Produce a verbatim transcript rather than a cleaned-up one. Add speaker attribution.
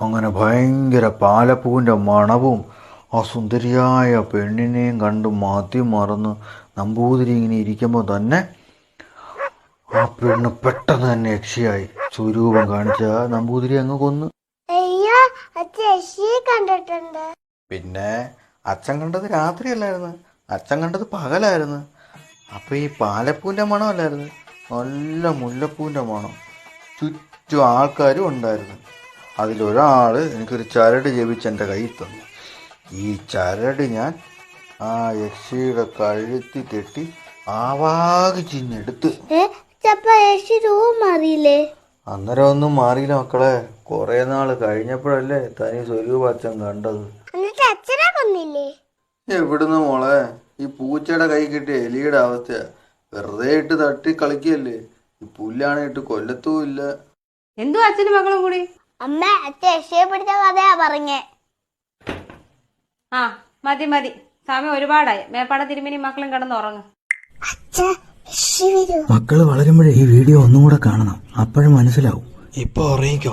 Speaker 1: അങ്ങനെ ഭയങ്കര പാലപ്പൂവിൻ്റെ മണവും ആ സുന്ദരിയായ പെണ്ണിനെയും കണ്ട് മതി മറന്ന് നമ്പൂതിരി ഇങ്ങനെ ഇരിക്കുമ്പോൾ തന്നെ ആ പെണ്ണ് പെട്ടെന്ന് തന്നെ യക്ഷിയായി. സ്വരൂപം കാണിച്ച നമ്പൂതിരി അങ്ങ് കൊന്നു.
Speaker 2: കണ്ടിട്ടുണ്ട്.
Speaker 1: പിന്നെ അച്ഛൻ കണ്ടത് രാത്രിയല്ലായിരുന്നു, അച്ഛൻ കണ്ടത് പകലായിരുന്നു. അപ്പൊ ഈ പാലപ്പൂവിൻ്റെ മണമല്ലായിരുന്നു, നല്ല മുല്ലപ്പൂവിൻ്റെ മണം. ചുറ്റും ആൾക്കാരും ഉണ്ടായിരുന്നു. അതിലൊരാൾ എനിക്കൊരു ചരട് ജപിച്ച് എൻ്റെ കയ്യിൽ തന്നു. ഈ ചരട് ഞാൻ ആ യക്ഷിയുടെ കഴുത്തി കെട്ടി ആവാകി ചിന്നെടുത്ത്. അന്നേരം ഒന്നും മാറിയില്ല മക്കളെ. കുറെ നാള് കഴിഞ്ഞപ്പോഴല്ലേ തനി സ്വരൂപ അച്ഛൻ കണ്ടത്. എവിടുന്ന് മോളെ, ഈ പൂച്ചയുടെ കൈ കിട്ടിയ എലിയുടെ അവസ്ഥയാ. വെറുതെ ഇട്ട് തട്ടി കളിക്കല്ലേ. ഈ പുല്ലാണ് ഇട്ട് കൊല്ലത്തുമില്ല.
Speaker 3: എന്തോ അച്ഛനും മക്കളും കൂടി?
Speaker 2: അമ്മ അച്ഛൻ യക്ഷിയെ പിടിച്ച കഥയാ പറഞ്ഞേ.
Speaker 3: ആ മതി മതി, സമയം ഒരുപാടായി. മേപ്പാട തിരുമേനി മക്കളും കിടന്ന് ഉറങ്ങും.
Speaker 1: മക്കള് വളരുമ്പോഴേ ഈ വീഡിയോ ഒന്നും കൂടെ കാണണം, അപ്പോഴും മനസ്സിലാവും. ഇപ്പൊ ഉറങ്ങിക്കോ.